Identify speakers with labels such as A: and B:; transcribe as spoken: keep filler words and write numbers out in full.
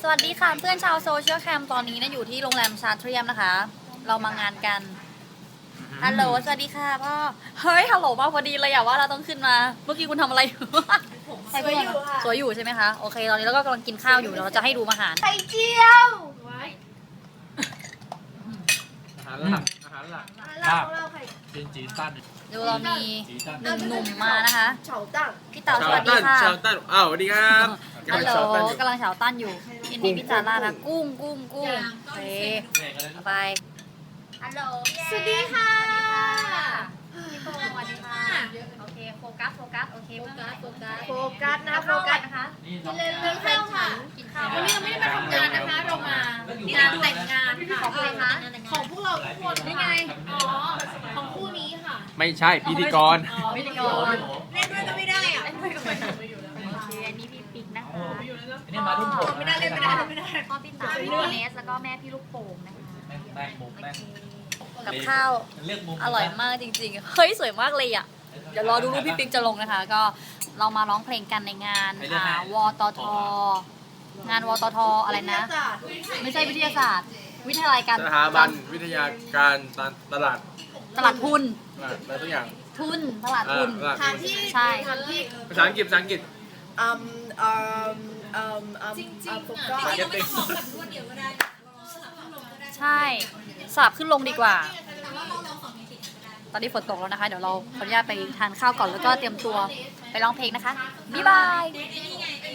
A: สวัสดีค่ะเพื่อนชาวโซเชียลแคมตอนนี้นะอยู่ที่โรงแรมชาเทรียมนะคะ เรามางานกันฮัลโหลสวัสดีค่ะพ่อเฮ้ยฮัลโหลมาพอดีเลยอะว่าเราต้องขึ้นมาเมื่อกี้คุณทำอะไรอยู่
B: สวยอยู่ค่ะ
A: สวยอยู่ใช่ไหมคะโอเคตอนนี้เราก็กำลังกินข้าวอยู่เดี๋ยวเราจะให้ดูอาหาร
B: ไข่เจียว
C: อาหารหลักอาหารหลัก
B: เราเราไข่
C: เป็นจีตัน
A: ดูเรามี
C: จีตัน
A: หนึ่งหนุ่มมานะคะ
B: เฉาตั้ง
A: พี่เต๋าสวัสดีค่ะ
D: ชาวตั้นอ้าวสวัสดีครับ
A: ฮัลโหล
D: ชาวตั้นอยู่
A: กำลังเฉาตั้นอยู่กินนี้พี่จาร่านะกุ้งกุ้งกุ้งโอเคเอาไปฮัลโหล
B: สวัสดีค่ะ
A: พี่โปสวัสดีค่ะโอเคโฟกัสโฟกัสโอเคโฟกัสโฟกัส
B: โฟกัสนะโฟกัส
A: นะคะ
B: กินเรื่องข้าวค่ะ
A: กินข้าว
E: วันนี้เราไม่ได้มาทำงานนะคะ เรามางานแต่งงานค่ะ
A: ของใครคะ
E: ของพวกเราทุกคนนี่ไง อ๋อ ของคู่นี้ค่ะ
D: ไม่ใช่พิธีกร
A: พิธีกร
E: เล่นด้วยก็ไม่ได้อ่ะ
A: โอเคอันนี้พี่ปิ๊กนะคะ
C: นี่มาทุ่มผม
E: ไม่ได้เล่นไม่ได้เล่นไม่ได้
A: พ่อพี่ตาพี่เนสแล้วก็แม่พี่ลูกโป่งนะคะ
C: แม่งมุมแม่ง
A: กับข้าว
C: เลือกมุม
A: อร่อยมากจริงๆ เฮ้ยสวยมากเลยอ่ะ เดี๋ยวรอดูรูปพี่ปิ๊กจะลงนะคะ ก็เรามาร้องเพลงกันในงานอ่าวตท งานวตทอะไรนะ ไม่ใช่วิทยาศาสตร์ วิทยาลัยการ
D: สถาบันวิทยาการตลาด
A: ตลาดทุน
D: อะไรทุกอย่าง
A: ทุน ตลาดทุน
D: อ่า
B: สถานที่
A: ใช่
B: สถานที่
D: ภาษาอังกฤษภาษาอังกฤษ
B: อืมอืมอืมอืม
E: จริงๆ
B: อื
E: อ่ะ
B: มโฟ
E: จ
B: กัส
E: ริงๆเราไม่ต้องมองแบบรวดเดียวก็ได้เราสลับขึ้นลงก็ได้
A: ใช่สลับขึ้นลงดีกว่า
E: แต่ว่าเราลองสองมิติก็ได้
A: ตอนนี้ฝนตกแล้วนะคะ เดี๋ยวเราขออนุญาตไปทานข้าวก่อนแล้วก็เตรียมตัวไปร้องเพลงนะคะ บ๊ายบาย
E: นี่ไง